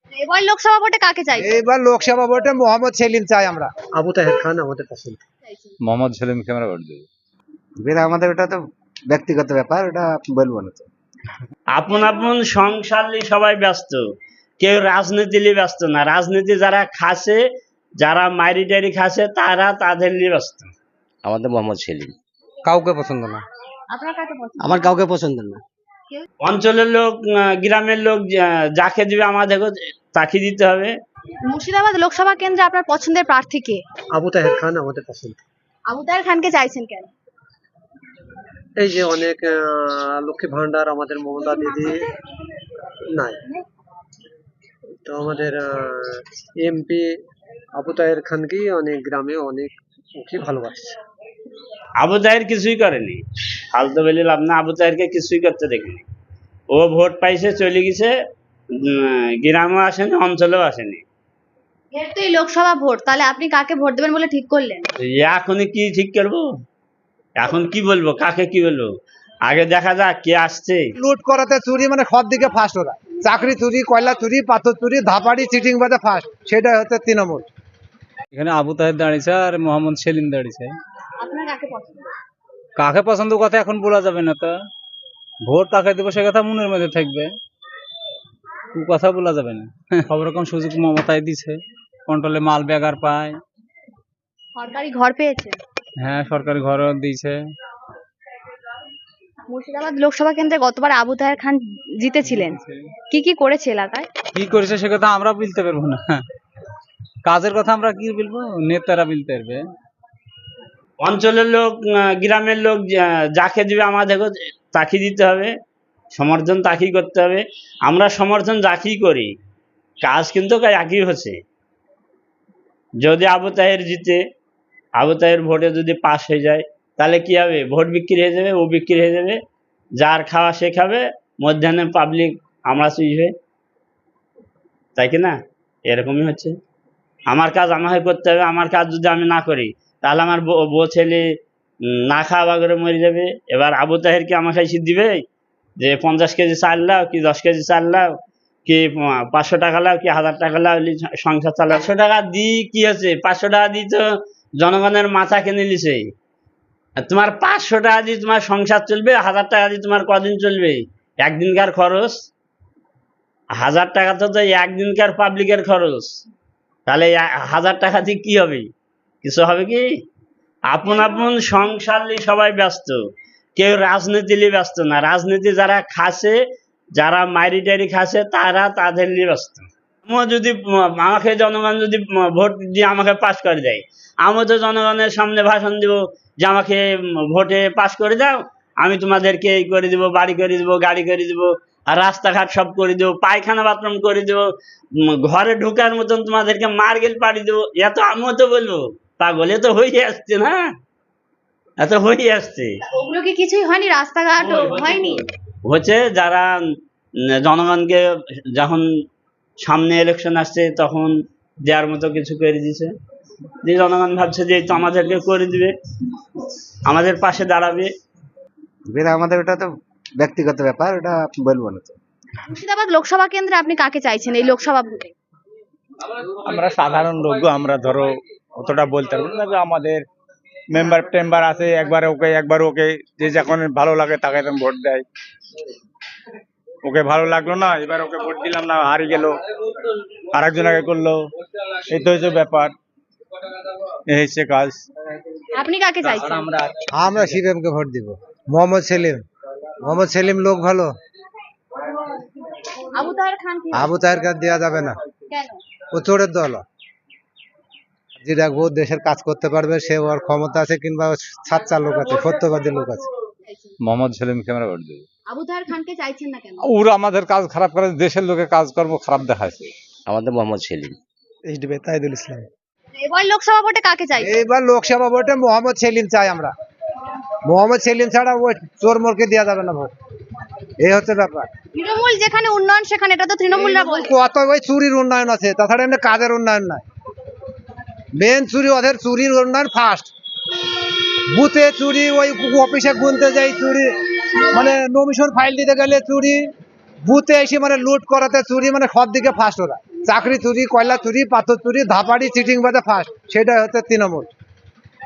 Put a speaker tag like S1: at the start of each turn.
S1: এবার লোকসভা ভোটে কাকে চাইছেন?
S2: এইবার লোকসভা ভোটে মোহাম্মদ সেলিম চাই আমরা।
S3: আবু তাহের খান আমাদের পছন্দ।
S4: মোহাম্মদ সেলিমকে আমরা ভোট দেবো।
S2: এবার আমাদের ওটা তো ব্যক্তিগত ব্যাপার, ওটা বলবো না তো।
S5: আপন আপন সংসার নিয়ে সবাই ব্যস্ত, কেউ রাজনীতি নিয়ে ব্যস্ত না। রাজনীতি যারা খাচ্ছে, যারা মাইরি টাইরি খাচ্ছে, তারা তাদের নিয়ে ব্যস্ত।
S6: আমাদের মোহাম্মদ সেলিম।
S3: কাউকে পছন্দ না।
S1: আপনার কাকে পছন্দ?
S3: আমার কাউকে পছন্দ না।
S5: অঞ্চলের লোক, গ্রামের লোক যাকে দিবে আমাদেরকে তাকে দিতে হবে।
S1: মুর্শিদাবাদ লোকসভা কেন্দ্রে আপনার পছন্দের প্রার্থী কে?
S3: আবু তাহের খান আমাদের পছন্দ।
S1: আবু তাহের খানকে চাইছেন কেন?
S3: এই যে অনেক লক্ষ্মী ভান্ডার আমাদের মমতা দিদি নাই, তো আমাদের এমপি আবু তাহের খানকেই অনেক গ্রামে অনেক ওকে ভালোবাসছে।
S5: আবু তাহের কিছুই করেনি, ফালতু বলে লাভ না। আবু তাহেরকে কিছুই করতে দেখিনি। ও ভোট পাইছে, চলে গেছে, গ্রামেও আসেনি, অঞ্চলেও আসেনি।
S1: এর তো এই লোকসভা ভোট, তাহলে আপনি কাকে ভোট দেবেন বলে ঠিক করলেন?
S5: এখনই কি ঠিক করবো? এখন কি বলবো, কাকে কি বলবো? আগে দেখা যাক কে আসছে।
S2: লুট করাতে চুরি মানে সব দিকে ফার্স্ট ওরা। চাকরি চুরি, কয়লা চুরি, পাথর চুরি, ধাপাড়ি, চিটিং বাজে ফার্স্ট, সেটাই হচ্ছে তৃণমূল।
S4: এখানে আবু তাহের দাঁড়িয়েছে আর মোহাম্মদ সেলিম দাঁড়িয়েছে।
S1: আপনার কাকে পছন্দ?
S4: কাকে পছন্দ কথা এখন বলা যাবে না, তো ভোট কাকে দেবো সে কথা মনের মধ্যে থাকবে, কথা বলা যাবে না। সব রকম সুযোগ মমতায় দিছে, কন্ট্রোলে মাল ব্যাগার পায়।
S1: সরকারি ঘর পেয়েছে?
S4: হ্যাঁ, সরকারি ঘরও দিয়েছে।
S1: মুর্শিদাবাদ লোকসভা কেন্দ্রে গতবার আবু তাহের খান জিতেছিলেন, কি কি করেছে এলাকায়?
S4: কি করেছে সে কথা আমরা বলতে পারবো না, কাজের কথা আমরা কি বলবো, নেতারা বলতে পারবে।
S5: অঞ্চলের লোক, গ্রামের লোক যাকে দিবে আমাদেরকে তাকে দিতে হবে, সমর্থন তাকেই করতে হবে। আমরা সমর্থন যাকেই করি, কাজ কিন্তু একই হচ্ছে। যদি আবু তাহের জিতে, আবু তাহের ভোটে যদি পাস হয়ে যায়, তাহলে কি হবে? ভোট বিক্রি হয়ে যাবে, ও বিক্রি হয়ে যাবে, যার খাওয়া সে খাবে, মধ্যাহ্নে পাবলিক আমরা চুইবে, তাই কি না? এরকমই হচ্ছে। আমার কাজ আমাকে করতে হবে। আমার কাজ যদি আমি না করি, তাহলে আমার বউ ছেলে না খাওয়া করে মরে যাবে। এবার আবু তাহের কি আমাকে এসে দিবে যে 50 কেজি চাল লাও, কি 10 কেজি চাল লাও, কি 500 টাকা লাও, কি 1000 টাকা লাও, সংসার চালাও? 500 টাকা দিই কি আছে? 500 টাকা দিই তো জনগণের মাথা কিনে নিছে। আর তোমার 500 টাকা দিয়ে তোমার সংসার চলবে? 1000 টাকা দিয়ে তোমার কদিন চলবে? একদিনকার খরচ। 1000 টাকা তো একদিনকার পাবলিকের খরচ। তাহলে 1000 টাকা দিয়ে কি হবে? কিছু হবে কি? আপন আপন সংসার নিয়ে সবাই ব্যস্ত, কেউ রাজনীতি নিয়ে ব্যস্ত না। রাজনীতি যারা খাচ্ছে, যারা মাইরি টাইরি খাচ্ছে, তারা তাদের নিয়ে ব্যস্ত। যদি আমাকে জনগণ যদি ভোট দিয়ে আমাকে পাস করে দেয়, আমি তো জনগণের সামনে ভাষণ দিব যে আমাকে ভোটে পাস করে দাও, আমি তোমাদেরকে এই করে দিব, বাড়ি করে দিব, গাড়ি করে দিব, আর রাস্তাঘাট সব করে দেবো, পায়খানা বাথরুম করে দেবো, ঘরে ঢোকার মতন তোমাদেরকে মার্গেল পাড়ি দেবো। এত আমিও তো বলবো, পাগল, এ তো হয়ে আসছে না, এত হয়ে আসছে।
S1: ওগুলো কি কিছুই হয়নি? রাস্তাঘাট হয়নি?
S5: হচ্ছে যারা জনগণকে যখন সামনে ইলেকশন আসছে তখন দেওয়ার মতো কিছু করে দিছে, যে জনগণ ভাবছে যে তো আমাদেরকে করে দিবে, আমাদের পাশে দাঁড়াবে।
S2: এবার আমাদের ওটা তো ব্যক্তিগত ব্যাপার, ওটা বলবো না তো।
S1: মুর্শিদাবাদ লোকসভা কেন্দ্রে আপনি কাকে চাইছেন এই লোকসভা ভোটে?
S7: আমরা সাধারণ লোক, আমরা ধরো অতটা বলতে পারবো না। আমাদের মেম্বার টেম্বার আছে, একবার ওকে যে যখন ভালো লাগে তাকে ভোট দেয়। ওকে ভালো লাগলো না, এবার ওকে ভোট দিলাম না, হারিয়ে গেল, আরেকজনকে করলো, এই তো হচ্ছে ব্যাপার, এই হচ্ছে কাজ।
S1: আপনি কাকে চাইছেন?
S2: আমরা সিপিএম কে ভোট দিব। মোহাম্মদ সেলিম, মোহাম্মদ সেলিম লোক ভালো।
S1: আবু তাহের খান কি?
S2: আবু তাহের কাজ দেওয়া যাবে না,
S1: কেন?
S2: ও চোরের দল। যে দেখবো দেশের কাজ করতে পারবে, সে ওর ক্ষমতা আছে, কিংবা সাচ্চা লোক আছে, সত্যবাদী লোক আছে।
S4: মোহাম্মদ সেলিমকে আমরা ভোট দেবো।
S1: আবু তাহের খানকে চাইছেন না কেন?
S4: ওরা আমাদের কাজ খারাপ করে, দেশের লোকের কাজকর্ম খারাপ দেখাচ্ছে।
S6: আমাদের মোহাম্মদ সেলিম।
S3: এইচডিবি তাইদুল ইসলাম।
S1: এবার লোকসভা ভোটে কাকে চাইছেন?
S2: এইবার লোকসভা ভোটে মোহাম্মদ সেলিম চাই আমরা। মোহাম্মদ সেলিম ছাড়া ওই চোর মোরকে দেওয়া যাবে না ভোট, এই হচ্ছে ব্যাপার।
S1: তৃণমূল যেখানে উন্নয়ন সেখানে, এটা তো তৃণমূলরা বলছে।
S2: কত ওই চুরির উন্নয়ন আছে, তাছাড়া এমনি কাজের উন্নয়ন নাই। মেন চুরি ওদের, চুরির উন্নয়ন ফার্স্ট। বুথে চুরি, ওই অফিসে গুনতে যাই চুরি, মানে নমিশন ফাইল দিতে গেলে চুরি, বুথে এসে মানে লুট করাতে চুরি, মানে সব দিকে ফার্স্ট ওরা। চাকরি চুরি, কয়লা চুরি, পাথর চুরি, ধাপাড়ি, চিটিং বাজে ফার্স্ট, সেটাই হচ্ছে তৃণমূল।